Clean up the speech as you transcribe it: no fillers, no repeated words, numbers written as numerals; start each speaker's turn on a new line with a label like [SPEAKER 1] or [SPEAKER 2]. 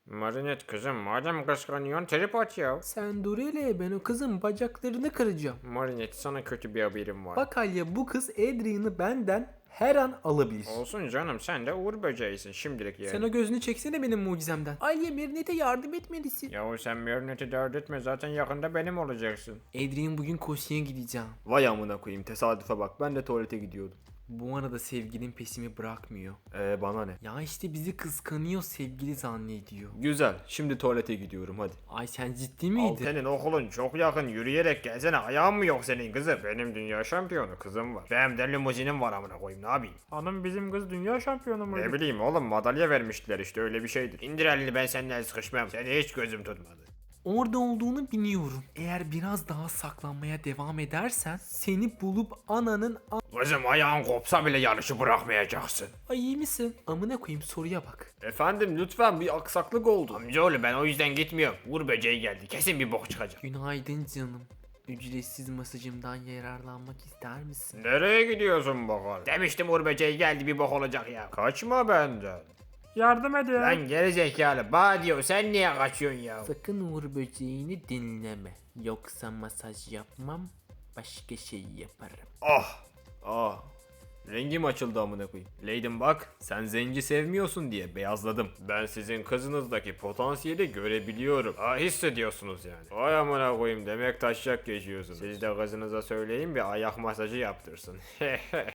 [SPEAKER 1] Marinet kızım madem kıskanıyorsun trip at ya.
[SPEAKER 2] Sen dur hele, ben o kızın bacaklarını kıracağım.
[SPEAKER 1] Marinet sana kötü bir haberim var.
[SPEAKER 2] Bak Alya, bu kız Adrian'ı benden her an alabilir.
[SPEAKER 1] Olsun canım sen de uğur böceğisin şimdilik yani.
[SPEAKER 2] Sen o gözünü çeksene benim mucizemden. Alya, Marinet'e yardım etmelisin.
[SPEAKER 1] Yahu sen Marinet'i dert etme zaten yakında benim olacaksın.
[SPEAKER 2] Adrian, bugün koşuya gideceğim.
[SPEAKER 3] Vay amına koyayım, tesadüfe bak, ben de tuvalete gidiyordum.
[SPEAKER 2] Bu arada sevgilin peşimi bırakmıyor.
[SPEAKER 3] Bana ne?
[SPEAKER 2] Ya işte bizi kıskanıyor, sevgili zannediyor.
[SPEAKER 3] Güzel, şimdi tuvalete gidiyorum hadi.
[SPEAKER 2] Ay sen ciddi miydin?
[SPEAKER 1] Senin okulun çok yakın yürüyerek gelsene ayağın mı yok senin kızım? Benim dünya şampiyonu kızım var. Benim de limuzinim var amına koyayım ne yapayım?
[SPEAKER 4] Hanım bizim kız dünya şampiyonu muydu?
[SPEAKER 1] Ne bileyim oğlum madalya vermiştiler işte öyle bir şeydir. İndir elini ben seninle sıkışmam. Seni hiç gözüm tutmadı.
[SPEAKER 2] Orada olduğunu biliyorum. Eğer biraz daha saklanmaya devam edersen seni bulup ananın
[SPEAKER 1] Kızım ayağın kopsa bile yarışı bırakmayacaksın.
[SPEAKER 2] Ay iyi misin? Amına koyayım, soruya bak.
[SPEAKER 3] Efendim lütfen, bir aksaklık oldu.
[SPEAKER 1] Amcaoğlu ben o yüzden gitmiyorum. Uğur böceği geldi kesin bir bok çıkacak.
[SPEAKER 2] Günaydın canım. Ücretsiz masajımdan yararlanmak ister misin?
[SPEAKER 1] Nereye gidiyorsun bakalım? Demiştim Uğur böceği geldi bir bok olacak ya. Kaçma benden.
[SPEAKER 4] Yardım edin.
[SPEAKER 1] Lan geri zekalı bana diyor sen niye kaçıyorsun ya?
[SPEAKER 2] Sakın Uğur böceğini dinleme. Yoksa masaj yapmam, başka şey yaparım.
[SPEAKER 3] Ah, rengim açıldı amına koyayım. Leydim bak, sen zenci sevmiyorsun diye beyazladım.
[SPEAKER 1] Ben sizin kızınızdaki potansiyeli görebiliyorum. Hissediyorsunuz yani. Vay amına koyayım demek taşacak geçiyorsunuz. Siz de kızınıza söyleyin bir ayak masajı yaptırsın.